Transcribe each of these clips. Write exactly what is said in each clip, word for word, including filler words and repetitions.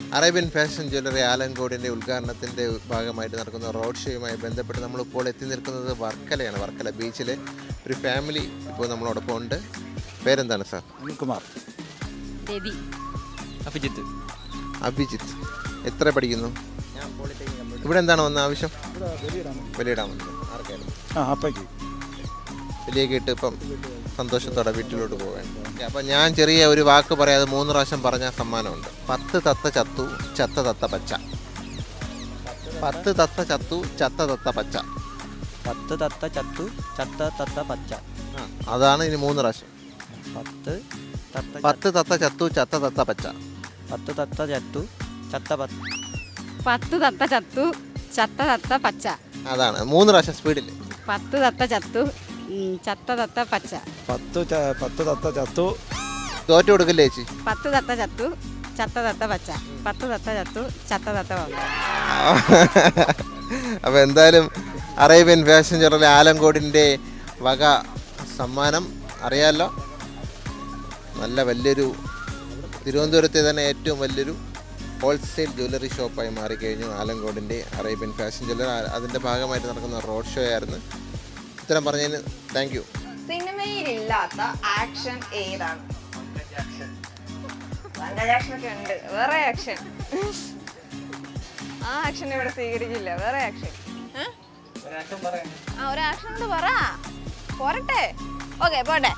Arabian fashion jewellery ആലങ്കോടിൻ്റെ ഉദ്ഘാടനത്തിൻ്റെ ഭാഗമായിട്ട് നടക്കുന്ന റോഡ് ഷോയുമായി ബന്ധപ്പെട്ട് നമ്മളിപ്പോൾ എത്തി നിൽക്കുന്നത് വർക്കലയാണ്. വർക്കല ബീച്ചിലെ ഒരു ഫാമിലി ഇപ്പോൾ നമ്മളോടൊപ്പം ഉണ്ട്. പേരെന്താണ് സാർ? അനിൽകുമാർ. രവി. അഭിജിത്ത്. അഭിജിത്ത്. എത്ര പഠിക്കുന്നു? ഇവിടെ എന്താണ് വന്ന ആവശ്യം? വലിയിടാൻ വന്നത്. ആർക്കായിരുന്നു? ആ അപ്പയ്ക്ക്. വലിയൊക്കെ ഇട്ട് ഇപ്പം സന്തോഷത്തോടെ വീട്ടിലോട്ട് പോകാൻ. അപ്പം ഞാൻ ചെറിയ ഒരു വാക്ക് പറയാതെ മൂന്ന് പ്രാവശ്യം പറഞ്ഞ സമ്മാനമുണ്ട്. പത്ത് തത്ത ചത്തു ചത്ത തത്ത പച്ച. പത്ത് തത്ത ചത്തു ചത്ത തത്ത പച്ച. പത്ത് തത്ത ചത്തു ചത്ത തത്ത പച്ച. ആ അതാണ് ഇനി മൂന്ന് പ്രാവശ്യം. പത്ത് തത്ത പത്ത് തത്ത ചത്തു ചത്ത തത്ത പച്ച. പത്ത് തത്ത ചത്തു ചത്ത പത്ത്. പത്ത് തത്ത ചത്തു ചത്ത തത്ത പച്ച. അതാണ് മൂന്ന് പ്രാവശ്യം സ്പീഡിൽ. പത്ത് തത്ത ചത്തു ഉം, ചത്ത തത്ത പച്ച. പത്ത് ച- പത്ത് തത്ത ചത്തു. തോറ്റു കൊടുക്കില്ലേ ചേച്ചി? പത്ത് തത്ത ചത്തു ചത്ത തത്ത പച്ച. പത്ത് തത്ത ചത്തു ചത്ത തത്ത പച്ച. അപ്പോൾ എന്തായാലും അറേബ്യൻ ഫാഷൻ ജ്വല്ലറി ആലങ്കോടിൻ്റെ വക സമ്മാനം അറിയാമല്ലോ. നല്ല വലിയൊരു തിരുവനന്തപുരത്തെ തന്നെ ഏറ്റവും വലിയൊരു ഹോൾസെയിൽ ജ്വല്ലറി ഷോപ്പായി മാറിക്കഴിഞ്ഞു ആലങ്കോടിൻ്റെ അറേബ്യൻ ഫാഷൻ ജ്വല്ലറി. അതിൻ്റെ ഭാഗമായിട്ട് നടക്കുന്ന റോഡ് ഷോ ആയിരുന്നു. ഉത്തരം പറഞ്ഞതിന് താങ്ക് യു. സിനിമയിലില്ലാത്ത ആക്ഷൻ ഏതാണ്? ആക്ഷൻ ഒക്കെ ഉണ്ട്. വേറെ ആക്ഷൻ ആ ആക്ഷൻ ഇവിടെ സ്വീകരിക്കില്ല. വേറെ ആക്ഷൻ ആ ഒരു ആക്ഷൻ കൊണ്ട് പറ പോരട്ടെ. ഓക്കെ പോട്ടെ.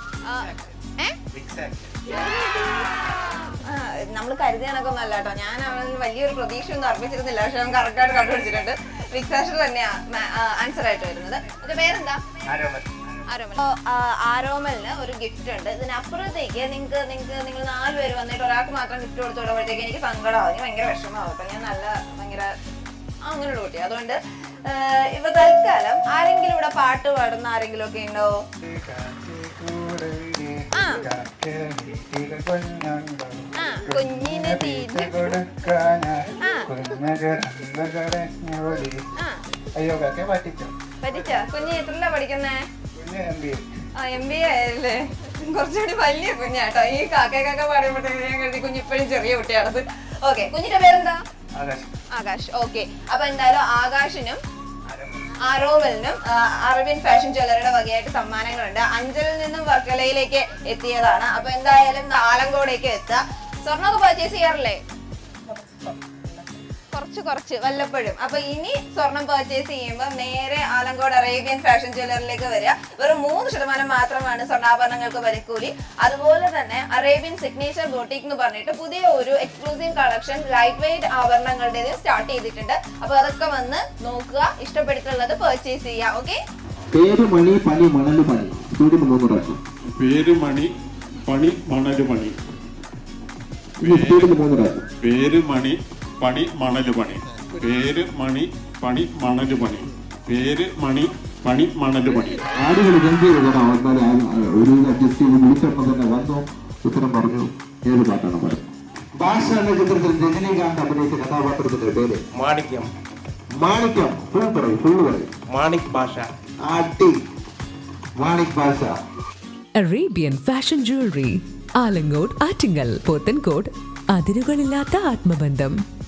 നമ്മൾ കരുതിയ കണക്കൊന്നും അല്ല കേട്ടോ. ഞാൻ അവന് വലിയൊരു പ്രതീക്ഷ ഒന്നും അർപ്പിച്ചിരുന്നില്ല. പക്ഷെ അവൻ കറക്റ്റായിട്ട് കണ്ടുപിടിച്ചിട്ടുണ്ട്. ഫിക്സാഷൻ തന്നെയാണ് ആൻസർ ആയിട്ട് വരുന്നത്. അതിന്റെ പേരെന്താ? ആരോമൽ. ആരോമലിന് ഒരു ഗിഫ്റ്റ് ഉണ്ട്. ഇതിനപ്പുറത്തേക്ക് നിങ്ങൾക്ക് നിങ്ങൾക്ക് നിങ്ങൾ നാല് പേര് വന്നിട്ട് ഒരാൾക്ക് മാത്രം ഗിഫ്റ്റ് കൊടുത്തു വിടുമ്പോഴത്തേക്ക് എനിക്ക് സങ്കടമാവും. എനിക്ക് ഭയങ്കര വിഷമമാവും. അപ്പൊ ഞാൻ നല്ല ഭയങ്കര അങ്ങനെയുള്ള കുട്ടി. അതുകൊണ്ട് ഇപ്പൊ തൽക്കാലം ആരെങ്കിലും ഇവിടെ പാട്ട് പാടുന്ന ആരെങ്കിലും ഒക്കെ ഉണ്ടോ? ആ കുഞ്ഞിന് പറ്റിച്ച. കുഞ്ഞ് എത്രല്ല പഠിക്കുന്നേ? ആ എം ബി എ ആയല്ലേ. കുറച്ചുകൂടി വലിയ കുഞ്ഞാട്ടോ. ഈ കാക്ക കാക്ക പാടുമ്പോഴത്തേക്ക് ഞാൻ കരുതി കുഞ്ഞ് ഇപ്പോഴും ചെറിയ കുട്ടിയാണത്. ഓക്കെ കുഞ്ഞിന്റെ പേരെന്താ? ആകാശ്. ഓക്കെ അപ്പൊ എന്തായാലും ആകാശിനും ആരോമലിനും അറേബ്യൻ ഫാഷൻ ജ്വല്ലറിയുടെ വകയായിട്ട് സമ്മാനങ്ങളുണ്ട്. അഞ്ചലിൽ നിന്നും വർക്കലയിലേക്ക് എത്തിയതാണ്. അപ്പൊ എന്തായാലും ആലങ്കോടേക്ക് എത്തുക. സ്വർണ്ണമൊക്കെ പർച്ചേസ് ചെയ്യാറില്ലേ? കുറച്ച് കുറച്ച് വല്ലപ്പോഴും. അപ്പൊ ഇനി സ്വർണം പർച്ചേസ് ചെയ്യുമ്പോൾ നേരെ ആലങ്കോട് അറേബ്യൻ ഫാഷൻ ജ്വല്ലറിലേക്ക് വരിക. വെറും മൂന്ന് ശതമാനം മാത്രമാണ് സ്വർണ്ണാഭരണങ്ങൾക്ക് വിലക്കൂലി. അതുപോലെ തന്നെ അറേബ്യൻ സിഗ്നേച്ചർ ബോട്ടിക് എന്ന് പറഞ്ഞിട്ട് പുതിയ ഒരു എക്സ്ക്ലൂസീവ് കളക്ഷൻ ലൈറ്റ് വെയിറ്റ് ആഭരണങ്ങളുടെ സ്റ്റാർട്ട് ചെയ്തിട്ടുണ്ട്. അപ്പൊ അതൊക്കെ വന്ന് നോക്കുക, ഇഷ്ടപ്പെട്ടിട്ടുള്ളത് പർച്ചേസ് ചെയ്യുക. ഓക്കെ. പേര് മണി പണി മണല് പണി. പേര് മണി പണി മണല് പണി. പേര് മണി പണി മണല് പണി. പേര് മണി പണി മണല് പണി. പേര് മണി പണി മണല് പണി. ആടുകൾ ഗംഭീരത ഒരു അഡ്ജസ്റ്റ് ചെയ്ത് വിളിച്ചപ്പോൾ തന്നെ വന്നു ഉത്തരം പറഞ്ഞു. ഏത് പാട്ടാണ് പറയുന്നത്? ഭാഷ എന്ന ചിത്രത്തിൽ രജനീകാന്ത് അഭിനയിച്ച കഥാപാത്രത്തിന്റെ പേര്? മാണിക്യം. മാണിക്യം. ഫുൾ പറയും ഫുൾ പറയും. മാണിക് ഭാഷ. ആട്ടി Manik Basha. Arabian fashion jewellery Alamcode, Attingal, Pothencode. അതിരുകളില്ലാത്ത ആത്മബന്ധം.